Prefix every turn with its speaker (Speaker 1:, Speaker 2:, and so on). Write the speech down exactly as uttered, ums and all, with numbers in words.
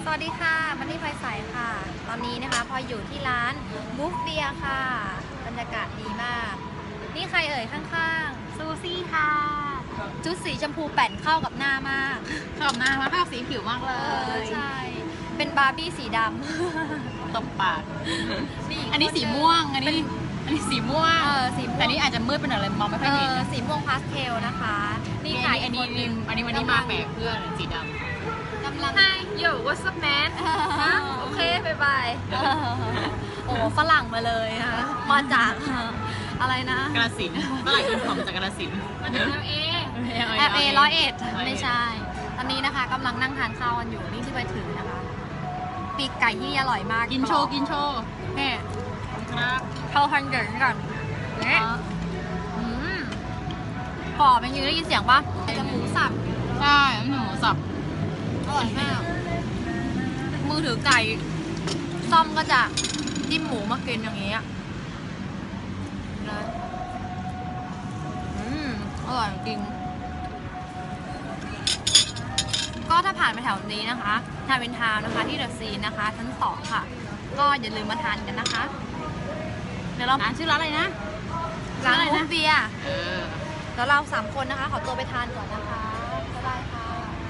Speaker 1: สวัสดีค่ะมันนี่ไฟใสค่ะ ตอนนี้นะคะพออยู่ที่ร้านบุฟเบียค่ะ บรรยากาศดีมาก นี่ใครเอ่ยข้างๆ ซูซี่ค่ะ ชุดสีชมพูแป่นเข้ากับหน้ามาก
Speaker 2: ชอบหน้ามากเข้าสีผิวมากเล
Speaker 1: เออย ใช่ เป็นบาร์บี้สีดำ
Speaker 2: ตบปากอันนี้สีม่วง อันนี้อันนี้สีม่วง
Speaker 1: เออสีม่วง
Speaker 2: แต่นี่อาจจะมืดไปหน่อยเลยมองไม่ค่
Speaker 1: เอ
Speaker 2: อยเห็น
Speaker 1: อสีม่วงพาสเทลนะคะ นี่
Speaker 2: นี่
Speaker 1: ขาย
Speaker 2: อันนี้
Speaker 1: คหง
Speaker 2: อันนี้วันนี้มาแปลกเพื่อนสีดำ
Speaker 1: กำลัง
Speaker 3: Hi yo what's up man
Speaker 1: โอเคบายบาย โอ้ฝรั่งมาเลยนะคะมาจาก อะไรนะ
Speaker 2: กระสินเมื่อไหร่กินของจากกระสิน
Speaker 3: มาถึงแล้วเอง
Speaker 1: แอร์เอร้อยเอ็ดไม่ใช่ ตอนนี้นะคะกำลังนั่งทานข้าวกันอยู่นี่ที่ไปถึงนะคะ ปีกไก่ที่อร่อยมาก
Speaker 2: กินโชว์กินโชว์
Speaker 1: เนี่ย
Speaker 2: ครับ
Speaker 1: เข้าทันเกิดก่อนเนี่ยอืมกรอบเป็นยังได้ยินเสียงปะจะหมูสับ
Speaker 2: ใช่หมูสับ
Speaker 1: อร่อยมากมือถือไก่ซ่อมก็จะจิ้มหมูมากินอย่างนี้อะเลยอืมอร่อยจริง ก็ถ้าผ่านไปแถวนี้นะคะทาวินทาวน์นะคะที่เดอะซีนนะคะชั้นสองค่ะ ก็อย่าลืมมาทานกันนะคะ เดี๋ยวเรา
Speaker 2: ร้านชื่อร้านอะไรนะ
Speaker 1: ร้านบุฟเบียร์
Speaker 2: เออ
Speaker 1: แล้วเราสามคนนะคะ ขอตัวไปทานก่อนนะคะ